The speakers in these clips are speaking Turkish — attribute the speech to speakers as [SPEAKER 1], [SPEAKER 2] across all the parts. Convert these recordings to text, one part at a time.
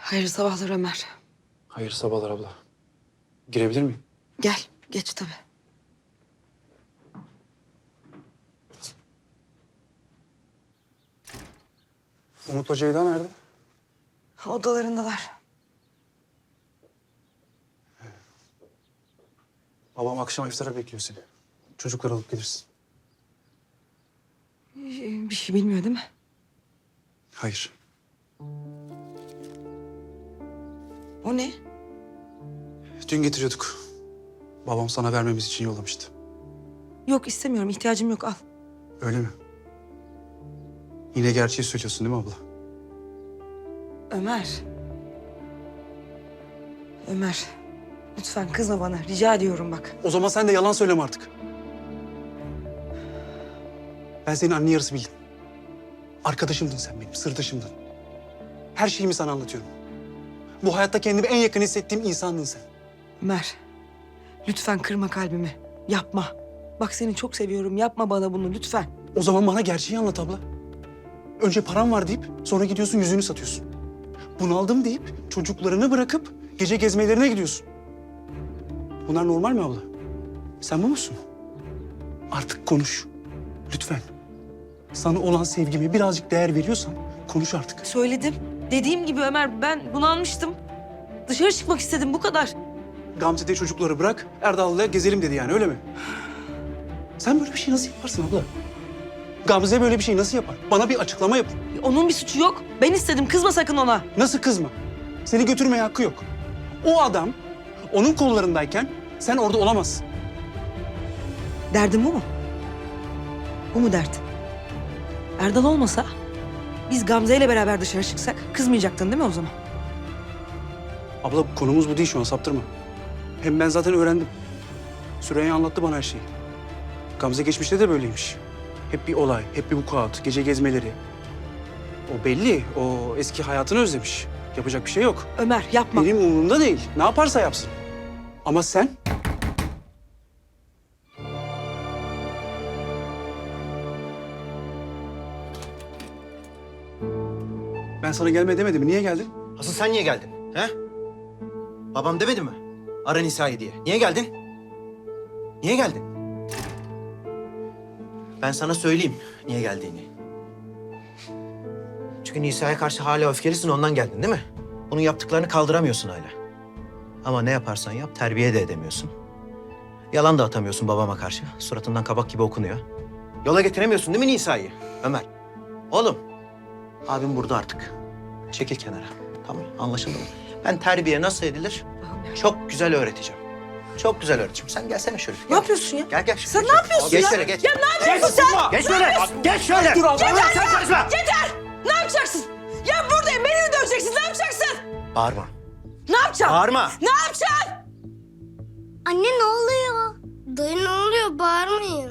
[SPEAKER 1] Hayırlı sabahlar Ömer.
[SPEAKER 2] Hayır sabahlar abla. Girebilir miyim?
[SPEAKER 1] Gel, geç tabii.
[SPEAKER 2] Umut'la Ceyda nerede?
[SPEAKER 1] Odalarındalar.
[SPEAKER 2] Babam akşam iftara bekliyor seni. Çocukları alıp gelirsin.
[SPEAKER 1] Bir şey bilmiyor değil mi?
[SPEAKER 2] Hayır.
[SPEAKER 1] O ne?
[SPEAKER 2] Dün getiriyorduk. Babam sana vermemiz için yollamıştı.
[SPEAKER 1] Yok istemiyorum, ihtiyacım yok al.
[SPEAKER 2] Öyle mi? Yine gerçeği söylüyorsun değil mi abla?
[SPEAKER 1] Ömer. Ömer. Lütfen kızma bana, rica ediyorum bak.
[SPEAKER 2] O zaman sen de yalan söyleme artık. Ben senin anne yarısı bildim. Arkadaşımdın sen benim, sırdaşımdın. Her şeyimi sana anlatıyorum. Bu hayatta kendimi en yakın hissettiğim insandın sen.
[SPEAKER 1] Ömer. Lütfen kırma kalbimi. Yapma. Bak seni çok seviyorum, yapma bana bunu lütfen.
[SPEAKER 2] O zaman bana gerçeği anlat abla. Önce param var deyip sonra gidiyorsun yüzünü satıyorsun. Bunaldım deyip çocuklarını bırakıp gece gezmelerine gidiyorsun. Bunlar normal mi abla? Sen bu musun? Artık konuş. Lütfen. Sana olan sevgime birazcık değer veriyorsan konuş artık.
[SPEAKER 1] Söyledim. Dediğim gibi Ömer, ben bunalmıştım. Dışarı çıkmak istedim, bu kadar.
[SPEAKER 2] Gamze'de çocukları bırak, Erdal'la gezelim dedi yani öyle mi? Sen böyle bir şey nasıl yaparsın abla? Gamze böyle bir şey nasıl yapar? Bana bir açıklama yap.
[SPEAKER 1] Onun bir suçu yok. Ben istedim, kızma sakın ona.
[SPEAKER 2] Nasıl kızma? Seni götürmeye hakkı yok. O adam onun kollarındayken sen orada olamazsın.
[SPEAKER 1] Derdin bu mu? Bu mu dert? Erdal olmasa biz Gamze ile beraber dışarı çıksak kızmayacaktın değil mi o zaman?
[SPEAKER 2] Abla konumuz bu değil şu an saptırma. Hem ben zaten öğrendim. Süreyya anlattı bana her şeyi. Gamze geçmişte de böyleymiş. Hep bir olay, hep bir vukuat, gece gezmeleri. O belli, o eski hayatını özlemiş. Yapacak bir şey yok.
[SPEAKER 1] Ömer yapma.
[SPEAKER 2] Benim umurumda değil. Ne yaparsa yapsın. Ama sen... Ben sana gelme demedim mi? Niye geldin?
[SPEAKER 3] Asıl sen niye geldin? He? Babam demedi mi? Ara Nisa'yı diye. Niye geldin? Niye geldin? Ben sana söyleyeyim niye geldiğini. Çünkü Nisa'ya karşı hala öfkelisin ondan geldin değil mi? Bunun yaptıklarını kaldıramıyorsun hala. Ama ne yaparsan yap terbiye de edemiyorsun. Yalan da atamıyorsun babama karşı. Suratından kabak gibi okunuyor. Yola getiremiyorsun değil mi Nisa'yı? Ömer. Oğlum. Abim burada artık. Çekil kenara. Tamam anlaşıldı mı? Ben terbiye nasıl edilir çok güzel öğreteceğim. Çok güzel öğreteceğim. Sen gelsene şöyle.
[SPEAKER 1] Ne yapıyorsun ya?
[SPEAKER 3] Gel gel.
[SPEAKER 1] Sen
[SPEAKER 3] Geç
[SPEAKER 1] ne
[SPEAKER 3] şöyle.
[SPEAKER 1] yapıyorsun
[SPEAKER 3] Geç
[SPEAKER 1] ya?
[SPEAKER 3] şöyle geç.
[SPEAKER 1] Ya ne yapıyorsun sen?
[SPEAKER 3] Geç şöyle. Geç şöyle.
[SPEAKER 2] Dur abla.
[SPEAKER 3] Yeter sen karışma.
[SPEAKER 1] Yeter! Ne yapacaksın? Ya buradayım, beni mi döveceksin? Ne yapacaksın?
[SPEAKER 3] Bağırma.
[SPEAKER 1] Ne yapacaksın?
[SPEAKER 3] Bağırma.
[SPEAKER 1] Ne yapacaksın?
[SPEAKER 4] Anne ne oluyor? Dayı ne oluyor? Bağırmayın.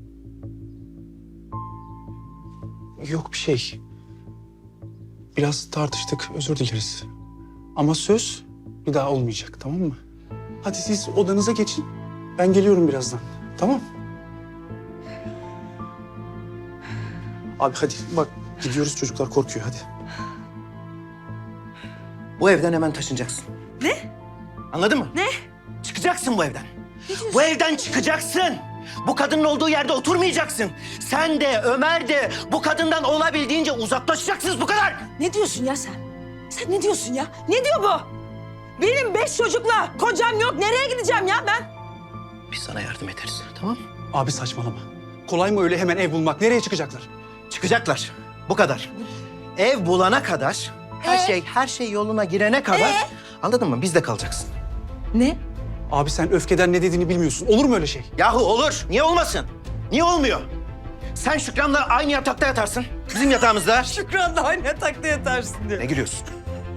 [SPEAKER 2] Yok bir şey. Biraz tartıştık, özür dileriz. Ama söz bir daha olmayacak, tamam mı? Hadi siz odanıza geçin. Ben geliyorum birazdan, tamam? Abi hadi bak gidiyoruz çocuklar korkuyor hadi.
[SPEAKER 3] Bu evden hemen taşınacaksın.
[SPEAKER 1] Ne?
[SPEAKER 3] Anladın mı?
[SPEAKER 1] Ne?
[SPEAKER 3] Çıkacaksın bu evden. Bu evden çıkacaksın. Bu kadının olduğu yerde oturmayacaksın. Sen de Ömer de bu kadından olabildiğince uzaklaşacaksınız bu kadar.
[SPEAKER 1] Ne diyorsun ya sen? Sen ne diyorsun ya? Ne diyor bu? Benim 5 çocukla kocam yok. Nereye gideceğim ya ben?
[SPEAKER 3] Biz sana yardım ederiz tamam mı?
[SPEAKER 2] Abi saçmalama. Kolay mı öyle hemen ev bulmak? Nereye çıkacaklar?
[SPEAKER 3] Çıkacaklar. Bu kadar. Ev bulana kadar, her şey yoluna girene kadar anladın mı? Bizde kalacaksın.
[SPEAKER 1] Ne?
[SPEAKER 2] Abi sen öfkeden ne dediğini bilmiyorsun. Olur mu öyle şey?
[SPEAKER 3] Yahu olur. Niye olmasın? Niye olmuyor? Sen Şükran'la aynı yatakta yatarsın. Bizim yatağımızda.
[SPEAKER 1] Şükran da aynı yatakta yatarsın diyor.
[SPEAKER 3] Ne gülüyorsun?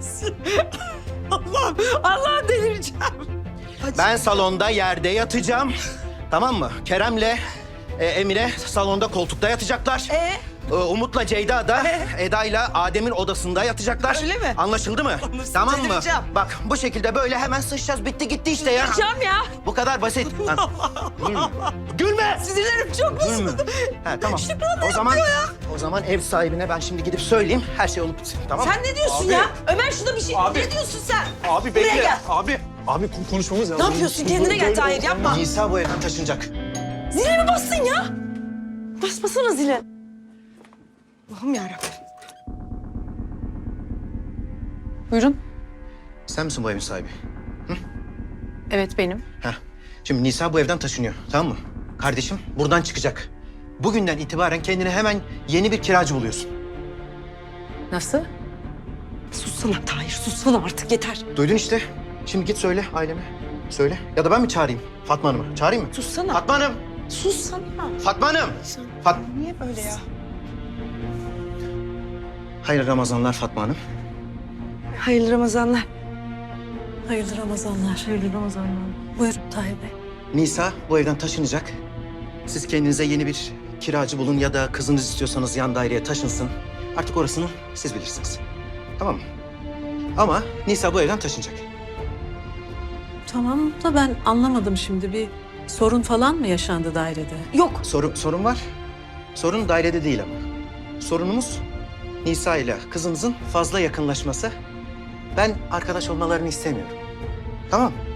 [SPEAKER 1] Allah'ım delireceğim.
[SPEAKER 3] Ben salonda yerde yatacağım. Tamam mı? Kerem'le Emine salonda koltukta yatacaklar. Umut'la Ceyda da Eda'yla Adem'in odasında yatacaklar.
[SPEAKER 1] Öyle mi?
[SPEAKER 3] Anlaşıldı mı?
[SPEAKER 1] Anlaşıldı,
[SPEAKER 3] Tamam mı?
[SPEAKER 1] delireceğim.
[SPEAKER 3] Bak bu şekilde böyle hemen sıçacağız. Bitti gitti işte ya.
[SPEAKER 1] Yapacağım ya.
[SPEAKER 3] Bu kadar basit. Lan, Gülme. Gülme.
[SPEAKER 1] Sinirlerim çok
[SPEAKER 3] Gülme.
[SPEAKER 1] bozuldu.
[SPEAKER 3] Ha, tamam.
[SPEAKER 1] Şükran da
[SPEAKER 3] O zaman ev sahibine ben şimdi gidip söyleyeyim. Her şey olup bitsin. Tamam mı?
[SPEAKER 1] Sen ne diyorsun
[SPEAKER 2] Abi.
[SPEAKER 1] ya? Ömer şurada bir şey...
[SPEAKER 2] Abi.
[SPEAKER 1] Ne diyorsun sen?
[SPEAKER 2] Abi
[SPEAKER 1] Buraya
[SPEAKER 2] bekle.
[SPEAKER 1] gel.
[SPEAKER 2] Abi konuşmamız lazım.
[SPEAKER 1] Ne yapıyorsun? Kendine gel
[SPEAKER 2] Böyle
[SPEAKER 1] Tahir,
[SPEAKER 2] olmaz.
[SPEAKER 1] yapma.
[SPEAKER 3] Nisa bu evden taşınacak.
[SPEAKER 1] Zile mi bastın ya? Basmasana zile. Allah'ım yarabbim.
[SPEAKER 5] Buyurun.
[SPEAKER 3] Sen misin bu evin sahibi?
[SPEAKER 5] Evet benim.
[SPEAKER 3] Heh. Şimdi Nisa bu evden taşınıyor. Tamam mı? Kardeşim buradan çıkacak. Bugünden itibaren kendine hemen yeni bir kiracı buluyorsun.
[SPEAKER 5] Nasıl?
[SPEAKER 1] Sussana Tahir, sussana artık yeter.
[SPEAKER 3] Duydun işte. Şimdi git söyle aileme. Söyle. Ya da ben mi çağırayım Fatma Hanım'ı? Çağırayım mı?
[SPEAKER 1] Sussana.
[SPEAKER 3] Fatma Hanım!
[SPEAKER 1] Sussana.
[SPEAKER 3] Fatma Hanım!
[SPEAKER 1] Niye böyle ya?
[SPEAKER 3] Hayırlı Ramazanlar Fatma Hanım.
[SPEAKER 1] Hayırlı Ramazanlar.
[SPEAKER 5] Hayırlı Ramazanlar.
[SPEAKER 1] Hayırlı Ramazanlar.
[SPEAKER 5] Buyurun Tahir Bey.
[SPEAKER 3] Nisa bu evden taşınacak. Siz kendinize yeni bir kiracı bulun ya da kızınız istiyorsanız yan daireye taşınsın. Artık orasını siz bilirsiniz. Tamam mı? Ama Nisa bu evden taşınacak.
[SPEAKER 5] Tamam da ben anlamadım şimdi. Bir sorun falan mı yaşandı dairede?
[SPEAKER 1] Yok.
[SPEAKER 3] Sorun var. Sorun dairede değil ama. Sorunumuz Nisa ile kızınızın fazla yakınlaşması. Ben arkadaş olmalarını istemiyorum. Tamam mı?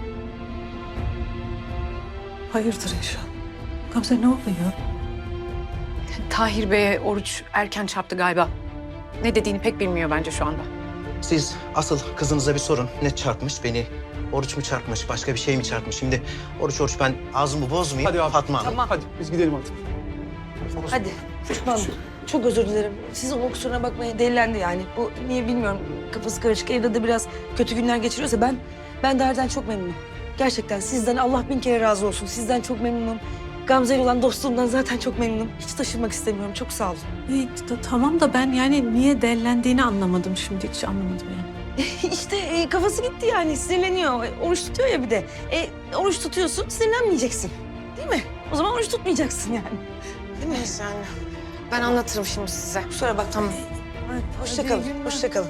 [SPEAKER 5] Hayırdır inşallah. Gamze ne oluyor?
[SPEAKER 6] Tahir Bey'e oruç erken çarptı galiba. Ne dediğini pek bilmiyor bence şu anda.
[SPEAKER 3] Siz asıl kızınıza bir sorun. Ne çarpmış beni? Oruç mu çarpmış, başka bir şey mi çarpmış? Şimdi oruç ben ağzımı bozmayayım.
[SPEAKER 2] Hadi abi.
[SPEAKER 3] Fatma Hanım.
[SPEAKER 1] Tamam.
[SPEAKER 2] Hadi biz gidelim artık.
[SPEAKER 1] Hadi. Şükran, çok özür dilerim. Sizin o kusuruna bakmayın, delilendi yani. Bu niye bilmiyorum. Kafası karışık. Evde de biraz kötü günler geçiriyorsa ben Dair'den çok memnunum. Gerçekten sizden Allah bin kere razı olsun. Sizden çok memnunum. Gamze ile olan dostluğumdan zaten çok memnunum. Hiç taşınmak istemiyorum. Çok sağ olun.
[SPEAKER 5] Tamam da ben yani niye dellendiğini anlamadım şimdi. Hiç anlamadım yani.
[SPEAKER 1] İşte kafası gitti yani. Sinirleniyor. Oruç tutuyor ya bir de. Oruç tutuyorsun, sinirlenmeyeceksin. Değil mi? O zaman oruç tutmayacaksın yani. Değil mi?
[SPEAKER 6] Neyse anne. Ben anlatırım şimdi size.
[SPEAKER 1] Kusura bak. Tamam. Hoşça kalın. Hoşça kalın.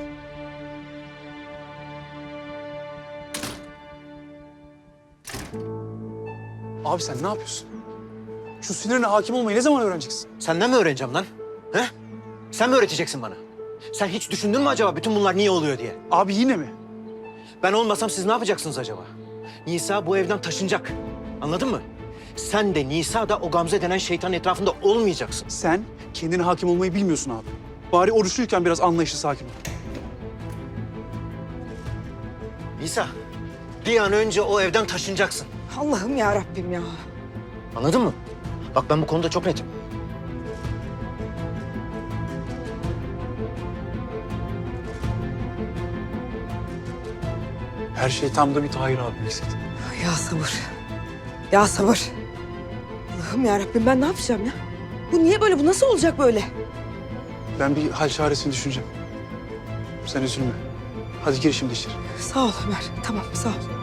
[SPEAKER 2] Abi sen ne yapıyorsun? Şu sinirine hakim olmayı ne zaman öğreneceksin?
[SPEAKER 3] Senden mi öğreneceğim lan? He? Sen mi öğreteceksin bana? Sen hiç düşündün mü acaba bütün bunlar niye oluyor diye?
[SPEAKER 2] Abi yine mi?
[SPEAKER 3] Ben olmasam siz ne yapacaksınız acaba? Nisa bu evden taşınacak. Anladın mı? Sen de Nisa da o Gamze denen şeytanın etrafında olmayacaksın.
[SPEAKER 2] Sen kendine hakim olmayı bilmiyorsun abi. Bari oruçluyken biraz anlayışlı sakin ol.
[SPEAKER 3] Nisa, bir an önce o evden taşınacaksın.
[SPEAKER 1] Allah'ım ya Rabbim ya.
[SPEAKER 3] Anladın mı? Bak ben bu konuda çok netim.
[SPEAKER 2] Her şey tam da bir Tahir abi eksikti.
[SPEAKER 1] Ya sabır. Ya sabır. Allah'ım ya Rabbim ben ne yapacağım ya? Bu niye böyle? Bu nasıl olacak böyle?
[SPEAKER 2] Ben bir hal çaresini düşüneceğim. Sen üzülme. Hadi gir şimdi içeri.
[SPEAKER 1] Sağ ol Ömer. Tamam sağ ol.